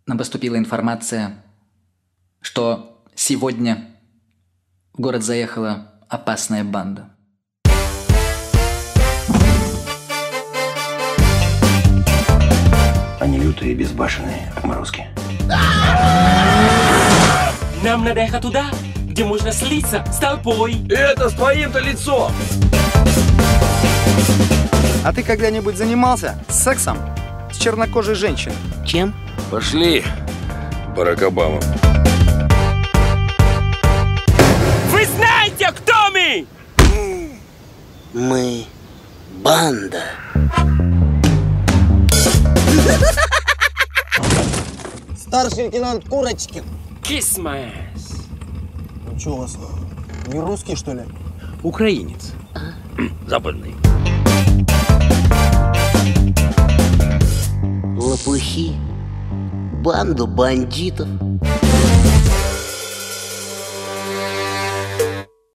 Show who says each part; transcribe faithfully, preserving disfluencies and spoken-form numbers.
Speaker 1: нам поступила информация, что сегодня в город заехала опасная банда.
Speaker 2: Они лютые и безбашенные отморозки.
Speaker 3: Нам надо ехать туда, где можно слиться с толпой.
Speaker 4: Это с твоим-то лицом!
Speaker 5: А ты когда-нибудь занимался сексом с чернокожей женщиной?
Speaker 3: Чем?
Speaker 4: Пошли, Барак Обама.
Speaker 3: Вы знаете, кто мы?
Speaker 6: Мы банда.
Speaker 7: Старший лейтенант Курочкин.
Speaker 3: Kiss my ass.
Speaker 7: Ну что у вас, не русский, что ли?
Speaker 3: Украинец.
Speaker 4: Западный.
Speaker 6: Лопухи. Банду бандитов.